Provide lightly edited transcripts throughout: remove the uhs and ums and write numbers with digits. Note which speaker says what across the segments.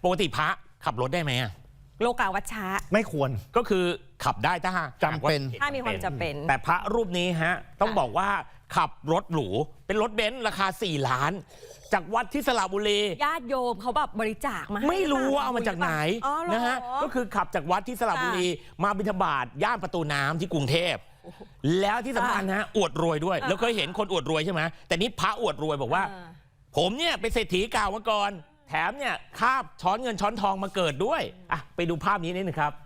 Speaker 1: ปกติพระขับรถได้ไหม
Speaker 2: โลกาวัชชะ
Speaker 3: ไม่ควร
Speaker 1: ก็คือขับได้ถ้า
Speaker 3: จำเป็น
Speaker 2: ถ้ามีความจำเป็น
Speaker 1: แต่พระรูปนี้ฮะต้องบอกว่าขับรถหรูเป็นรถเบนซ์ราคา4 ล้านจากวัดที่สระบุรี
Speaker 2: ญาติโยมเขาแบบบริจาคมา
Speaker 1: ไม่รู้ว่าเอามาจากไหนนะฮะก็คือขับจากวัดที่สระบุรีมาบิณฑบาตย่านประตูน้ำที่กรุงเทพแล้วที่สำคัญนะอวดรวยด้วยแล้วเคยเห็นคนอวดรวยใช่ไหมแต่นี้พระอวดรวยบอกว่าผมเนี่ยเป็นเศรษฐีเก่ามาก่อนแถมเนี่ยคาบช้อนเงินช้อนทองมาเกิดด้วยอ่ะไปดูภาพนี้นิดนึงครับ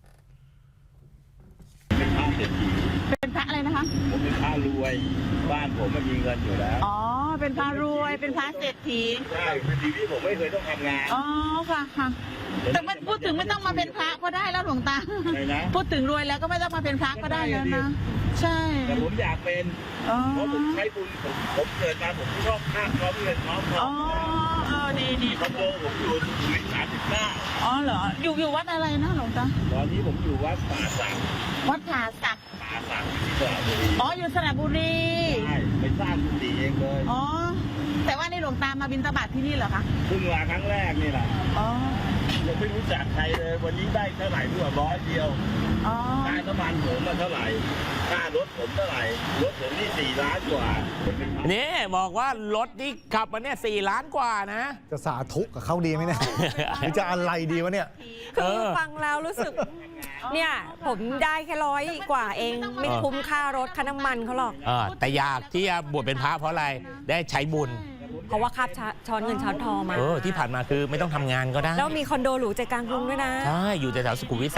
Speaker 4: เป็นพระเศรษฐี
Speaker 5: เป็นพระอะไรนะคะ
Speaker 4: ผมเป็นพระรวยบ้านผมมันมีเงินอยู่แล้ว
Speaker 5: อ๋อเป็นพระรวยเป็นพระเศรษฐี
Speaker 4: ใช่เป็นชีวิตผมไม่เคยต้องทำงาน
Speaker 5: อ๋อค่ะค่ะแต่มันพูดถึงไม่ต้องมาเป็นพระก็ได้แล้วหลวงตาพูดถึงรวยแล้วก็ไม่ต้องมาเป็นพระก็ได้แล้วนะใช่
Speaker 4: แต่ผมอยากเป็นเพราะผมใช้บุญผมเกิดมาผมชอบข้ามน้อมเงินน้อมทอง
Speaker 5: ดี
Speaker 4: คอนโดผมอยู่สุรินทร์39
Speaker 5: อ๋อเหรออยู่วัดอะไรนะหลวงตา
Speaker 4: ตอนนี้ผมอยู่วัดป่าสัก
Speaker 5: วัดผาสัก
Speaker 4: ที่สระบุรี
Speaker 5: อ๋ออยู่สระบุรี
Speaker 4: ใช่ไปสร้างกุฏิเองเลย
Speaker 5: อ๋อแต่ว่าในหลวงตามาบิณฑบาตที่นี่เหรอคะ
Speaker 4: เพิ่งมาครั้งแรกนี่แหละ
Speaker 5: อ๋อ
Speaker 4: ยังไม่รู้จักใครเลยวันนี้ได้เท่าไหร่เพื่อ100 เดียวค่าน้ำมันผมมาเท่าไหร่ค่ารถผมเท่าไหร่รถผมนี่4 ล้านกว่า
Speaker 1: นี่บอกว่ารถที่ขับมาเนี่ย4 ล้านกว่านะ
Speaker 3: จะสาธุกับเขาดีไหมเนี่ยหรือจะอะไรดีวะเนี่ย
Speaker 2: คือฟังแล้วรู้สึกเนี่ยผมได้แค่100 กว่าเองไม่คุ้มค่ารถค่าน้ำมันเขาหรอก
Speaker 1: แต่อยากที่จะบวชเป็นพระเพราะอะไรได้ใช้บุญ
Speaker 2: เพราะว่าคาบช้อนเงินช้อนทองมา
Speaker 1: ที่ผ่านมาคือไม่ต้องทำงานก็ได้
Speaker 2: แล้วมีคอนโดหรูใจกลางกรุงด้วยนะ
Speaker 1: ใช่อยู่แถวสุขุมวิท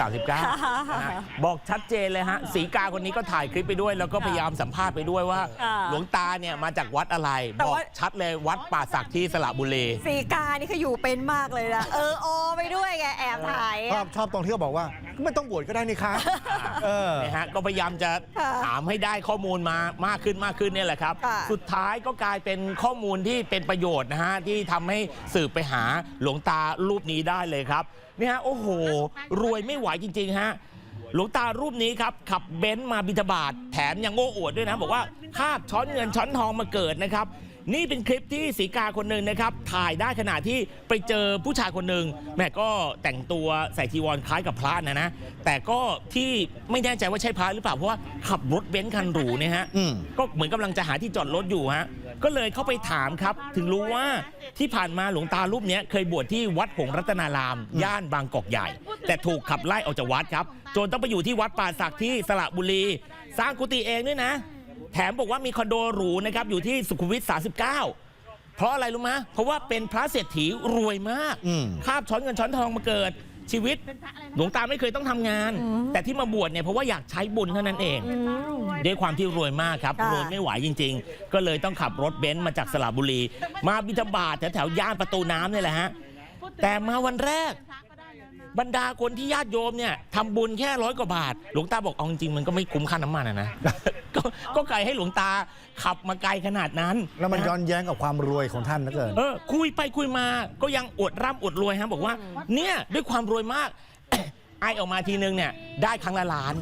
Speaker 1: 39บอกชัดเจนเลยฮะศรีกาคนนี้ก็ถ่ายคลิปไปด้วยแล้วก็พยายามสัมภาษณ์ไปด้วยว่าหลวงตาเนี่ยมาจากวัดอะไรบอกชัดเลยวัดป่าสักที่สระบุรี
Speaker 2: ศรีกานี่คืออยู่เป็นมากเลยนะโอไปด้วยแกแอบถ่าย
Speaker 3: ชอบตรงที่เขาบอกว่าไม่ต้องบวชก็ได้นี่คะ
Speaker 1: นะฮะก็พยายามจะถามให้ได้ข้อมูลมามากขึ้นเนี่ยแหละครับสุดท้ายก็กลายเป็นข้อมูลที่เป็นประโยชน์นะฮะที่ทำให้สืบไปหาหลวงตารูปนี้ได้เลยครับนี่ฮะโอ้โหรวยไม่ไหวจริงๆฮะหลวงตารูปนี้ครับขับเบนซ์มาบิณฑบาตแถมยังโอ้อวดด้วยนะบอกว่าคาบช้อนเงินช้อนทองมาเกิดนะครับนี่เป็นคลิปที่ศรีกาคนหนึ่งนะครับถ่ายได้ขณะที่ไปเจอผู้ชายคนหนึ่งแม่ก็แต่งตัวใส่จีวรคล้ายกับพระนะแต่ก็ที่ไม่แน่ใจว่าใช่พระหรือเปล่าเพราะว่าขับรถเบนซ์คันหรูเนี่ยฮะก็เหมือนกำลังจะหาที่จอดรถอยู่ฮะก็เลยเข้าไปถามครับถึงรู้ว่าที่ผ่านมาหลวงตารูปนี้เคยบวชที่วัดหงส์รัตนารามย่านบางกอกใหญ่แต่ถูกขับไล่ออกจากวัดครับจนต้องไปอยู่ที่วัดป่าสักที่สระบุรีสร้างกุฏิเองด้วยนะแถมบอกว่ามีคอนโดหรูนะครับอยู่ที่สุขุมวิท39เพราะอะไรรู้ไหมเพราะว่าเป็นพระเศรษฐีรวยมากคาบช้อนเงินช้อนทองมาเกิดชีวิตหลวงตาไม่เคยต้องทำงานแต่ที่มาบวชเนี่ยเพราะว่าอยากใช้บุญเท่านั้นเองด้วยความที่รวยมากครับรวยไม่ไหวจริงๆก็เลยต้องขับรถเบนซ์มาจากสระบุรีมาบิณฑบาตแถวย่านประตูน้ำนี่แหละฮะแต่มาวันแรกบรรดาคนที่ญาติโยมเนี่ยทำบุญแค่100 กว่าบาทหลวงตาบอกเอาจริงๆมันก็ไม่คุ้มค่าน้ำมันนะก็ไกลให้หลวงตาขับมาไกลขนาดนั้น
Speaker 3: แล้วมันย้อนแย้งกับความรวยของท่านนะเกิน
Speaker 1: คุยไปคุยมาก็ยังอวดร่ำอวดรวยฮะบอกว่าเนี่ยด้วยความรวยมากไอออกมาทีนึงเนี่ยได้ครั้งละล้าน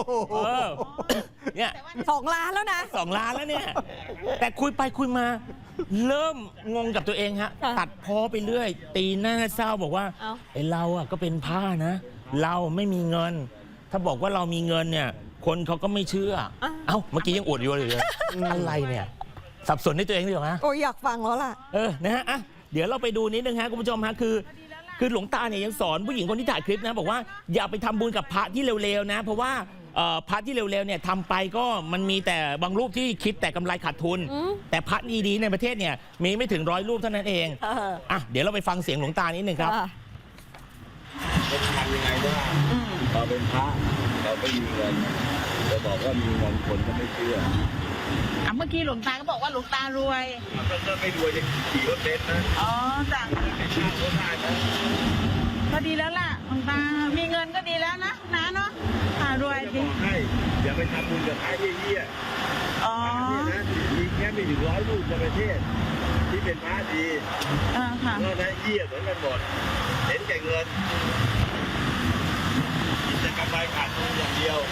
Speaker 1: เนี่ย
Speaker 2: 2 ล้านแล้วนะ
Speaker 1: 2 ล้านแล้วเนี่ยแต่คุยไปคุยมาเริ่มงงกับตัวเองฮะตัดพ้อไปเรื่อยตีหน้าเศร้าบอกว่าไอเราอ่ะก็เป็นผ้านะเราไม่มีเงินถ้าบอกว่าเรามีเงินเนี่ยคนเขาก็ไม่เชื่อเมื่อกี้ยังอวดอยู่เลยอะไรเนี่ยสับสนในตัวเองดีกว่า
Speaker 2: โอ้ยอยากฟังแล้วล่ะ
Speaker 1: นะฮะเดี๋ยวเราไปดูนิดนึงฮะคุณผู้ชมฮะคือหลวงตาเนี่ยยังสอนผู้หญิงคนที่ถ่ายคลิปนะบอกว่าอย่าไปทำบุญกับพระที่เร็วๆนะเพราะว่าพระที่เร็วๆเนี่ยทำไปก็มันมีแต่บางรูปที่คิดแต่กำไรขาดทุนแต่พระดีๆในประเทศเนี่ยมีไม่ถึง100 รูปเท่านั้นเองเดี๋ยวเราไปฟังเสียงหลวงตานิดนึงครับ
Speaker 4: จะทำยังไงได้เราเป็นพระเราไม่มีเงินจะบอกว่ามีเงินคนก็ไม่เชื่อ
Speaker 5: เมื่อกี้หลวงตาก็บอกว่าหลวงตารวย
Speaker 4: ก็ไม่รวยจะขี่รถเบนซ์นะ
Speaker 5: จ้ะก็ดีแล้วล่ะหลวงตามีเงินก็ดีแล้วนะเนาะรวย
Speaker 4: จริงให้อย่าไปทำบุญกับพระเยี่ยนะมีแค่ไม่ถึง100 รูปในประเทศที่เป็นพระดี
Speaker 5: ค่ะ
Speaker 4: แล้วนะเยี่ยเหมือนกันหมดเห็นแก่เงินกินแต่กำไรขาดทุนอย่างเดียว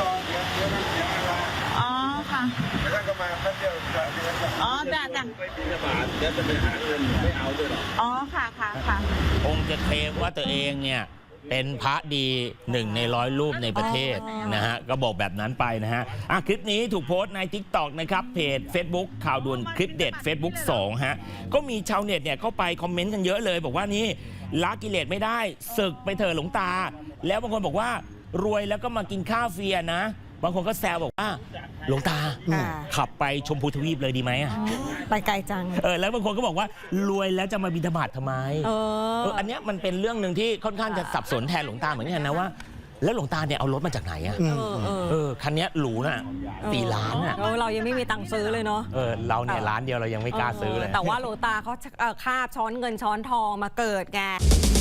Speaker 5: ค่ะ
Speaker 4: แล้วก็มาแป๊บเดียว
Speaker 5: จ้ะ
Speaker 4: ไปบิณฑบาตแล้วจะไปหาเงินไม่เอาด้วยหรอ
Speaker 5: ค่ะ
Speaker 1: คงจะเคลมว่าตัวเองเนี่ยเป็นพระดี1 ใน 100 รูปในประเทศนะฮะก็บอกแบบนั้นไปนะฮะคลิปนี้ถูกโพสต์ใน TikTok นะครับเพจ Facebook ข่าวด่วนคลิปเด็ด Facebook 2 ฮะก็มีชาวเน็ตเนี่ยเข้าไปคอมเมนต์กันเยอะเลยบอกว่านี่ละกิเลสไม่ได้ศึกไปเถอะหลวงตาแล้วบางคนบอกว่ารวยแล้วก็มากินข้าวฟรีนะบางคนก็แซวบอกว่าหลวงตาขับไปชมพูทวีปเลยดีไหม
Speaker 2: ไปไกลจัง
Speaker 1: แล้วบางคนก็บอกว่ารวยแล้วจะมาบิณฑบาตทำไมอันเนี้ยมันเป็นเรื่องหนึ่งที่ค่อนข้างจะสับสนแทนหลวงตาเหมือนกันนะว่าแล้วหลวงตาเนี่ยเอารถมาจากไหนคันนี้หรูน่ะ4 ล้าน
Speaker 2: เรายังไม่มีตังค์ซื้อเลยเนาะ
Speaker 1: เราเนี่ยล้านเดียวเรายังไม่กล้าซื้อเลย
Speaker 2: แต่ว่าหลวงตาเขาคาบช้อนเงินช้อนทองมาเกิดไง